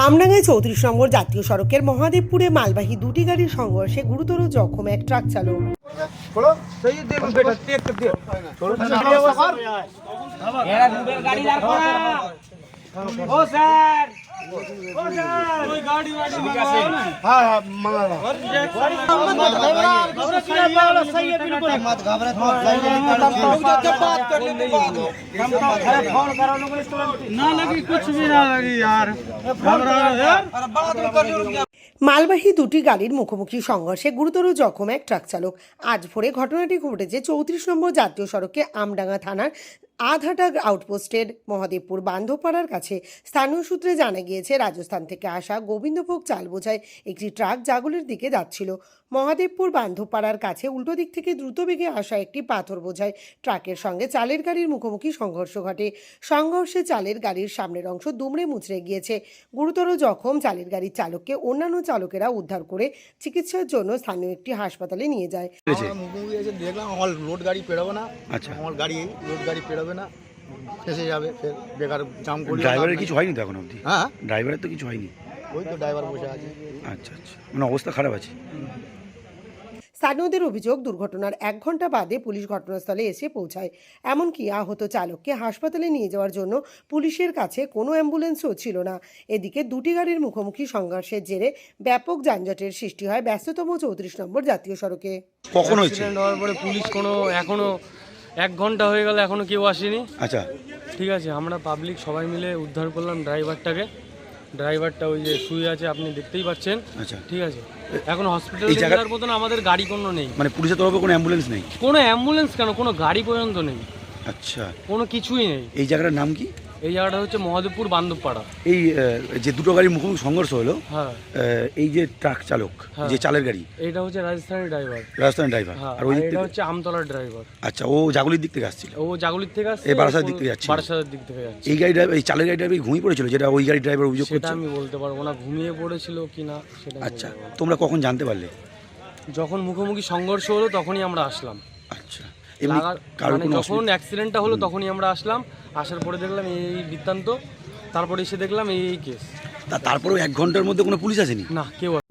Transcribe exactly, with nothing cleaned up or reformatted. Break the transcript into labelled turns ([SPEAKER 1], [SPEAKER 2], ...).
[SPEAKER 1] আমডাঙ্গায় চৌত্রিশ নম্বর জাতীয় সড়কের মহাদেবপুরে মালবাহী দুটি গাড়ির সংঘর্ষে গুরুতর জখম এক ট্রাক চালক। মালবাহী দুটি গাড়ির মুখোমুখি সংঘর্ষে গুরুতর জখম এক ট্রাক চালক। আজ ভোরে ঘটনাটি ঘটেছে চৌত্রিশ নম্বর জাতীয় সড়কে আমডাঙ্গা থানার আধাটা আউটপোস্টের মহাদেবপুর বান্ধবপাড়ার কাছে। স্থানীয় সূত্রে জানা গিয়েছে, রাজস্থান থেকে আসা গোবিন্দভোগ চাল বোঝায় একটি ট্রাক জাগুলের দিকে যাচ্ছিল। মহাদেবপুর বান্ধবপাড়ার কাছে উল্টো দিক থেকে দ্রুত বেগে আসা একটি পাথর বোঝায় ট্রাকের সঙ্গে চালের গাড়ির মুখোমুখি সংঘর্ষ ঘটে। সংঘর্ষে চালের গাড়ির সামনের অংশ দুমড়ে মুচড়ে গিয়েছে। গুরুতর জখম চালের গাড়ির চালককে অন্যান্য চালকেরা উদ্ধার করে চিকিৎসার জন্য স্থানীয় একটি হাসপাতালে নিয়ে যায়।
[SPEAKER 2] দেখলাম আমার রোড গাড়ি পেরোবে না।
[SPEAKER 3] আচ্ছা,
[SPEAKER 2] আমার গাড়ি রোড গাড়ি পেরোবে না, ফেসে যাবে, ফের বেকার জাম করি।
[SPEAKER 3] ড্রাইভারের কিছু হয়নি তো এখন অবধি?
[SPEAKER 2] হ্যাঁ,
[SPEAKER 3] ড্রাইভারের তো কিছু হয়নি।
[SPEAKER 2] ওই তো ড্রাইভার বসে আছে।
[SPEAKER 3] আচ্ছা আচ্ছা, মানে অবস্থা খারাপ আছে।
[SPEAKER 1] স্থানীয়দের অভিযোগ, দুর্ঘটনার এক ঘন্টা বাদে পুলিশ ঘটনাস্থলে এসে পৌঁছায়। এমনকি আহত চালককে হাসপাতালে নিয়ে যাওয়ার জন্য পুলিশের কাছে কোনো অ্যাম্বুলেন্সও ছিল না। এদিকে দুটি গাড়ির মুখোমুখি সংঘর্ষের জেরে ব্যাপক যানজটের সৃষ্টি হয় ব্যস্ততম চৌত্রিশ নম্বর জাতীয় সড়কে।
[SPEAKER 3] কখন হয়েছে?
[SPEAKER 4] অ্যাক্সিডেন্ট হওয়ার পরে পুলিশ কোনো এখনো এক ঘন্টা হয়ে গেল, এখনো কেউ আসেনি।
[SPEAKER 3] আচ্ছা,
[SPEAKER 4] ঠিক আছে, আমরা পাবলিক সবাই মিলে উদ্ধার করলাম ড্রাইভারটাকে। ড্রাইভারটা ওই যে শুয়ে আছে, আপনি দেখতেই পাচ্ছেন।
[SPEAKER 3] আচ্ছা,
[SPEAKER 4] ঠিক আছে, এখন হসপিটালে যাওয়ার মতন আমাদের গাড়ি কোনো নেই।
[SPEAKER 3] মানে পুলিশের তরফে কোনো অ্যাম্বুলেন্স নেই?
[SPEAKER 4] কোনো অ্যাম্বুলেন্স কেন, কোনো গাড়ি পর্যন্ত নেই।
[SPEAKER 3] আচ্ছা,
[SPEAKER 4] কোনো কিছুই নেই।
[SPEAKER 3] এই জায়গাটার নাম কি?
[SPEAKER 4] এই জায়গাটা হচ্ছে মহাদেবপুর বান্ধবপাড়া।
[SPEAKER 3] এই আহ, যে দুটো গাড়ির মুখোমুখি সংঘর্ষ হলো,
[SPEAKER 4] হ্যাঁ,
[SPEAKER 3] আহ, এই যে ট্রাক চালক,
[SPEAKER 4] হ্যাঁ,
[SPEAKER 3] যে চালের গাড়ি,
[SPEAKER 4] এইটা হচ্ছে রাজস্থানের ড্রাইভার।
[SPEAKER 3] রাজস্থানের ড্রাইভার।
[SPEAKER 4] হ্যাঁ,
[SPEAKER 3] আর ওই দিক
[SPEAKER 4] এটা
[SPEAKER 3] থেকে
[SPEAKER 4] হচ্ছে আমতলার ড্রাইভার।
[SPEAKER 3] আচ্ছা, ও জাগুলির দিক থেকে আসছিল।
[SPEAKER 4] ও জাগুলির থেকে আসছে,
[SPEAKER 3] এই বারাসাতের দিক থেকে যাচ্ছিল।
[SPEAKER 4] বারাসাতের দিক থেকে যাচ্ছে।
[SPEAKER 3] এই গাড়ি ড্রাইভার, এই চালের গাড়ি ড্রাইভার ঘুমিয়ে পড়েছিল, যেটা ওই গাড়ি ড্রাইভার অভিযোগ
[SPEAKER 4] সেটা
[SPEAKER 3] করছে।
[SPEAKER 4] আমি বলতে পারবো না, ঘুমিয়ে পড়েছিল কিনা সেটা।
[SPEAKER 3] আচ্ছা, তোমরা কখন জানতে পারলে?
[SPEAKER 4] যখন মুখোমুখি সংঘর্ষ হলো তখনই আমরা আসলাম।
[SPEAKER 3] আচ্ছা, এমনি
[SPEAKER 4] লাগার-
[SPEAKER 3] কারোর
[SPEAKER 4] মানে
[SPEAKER 3] কোনো
[SPEAKER 4] যখন অ্যাক্সিডেন্টটা হলো তখনই আমরা আসলাম। আসার পরে দেখলাম এই এই বৃত্তান্ত, তারপরে এসে দেখলাম এই এই কেস।
[SPEAKER 3] তা তারপরেও এক ঘন্টার মধ্যে কোনো পুলিশ আসেনি?
[SPEAKER 4] না, কেউ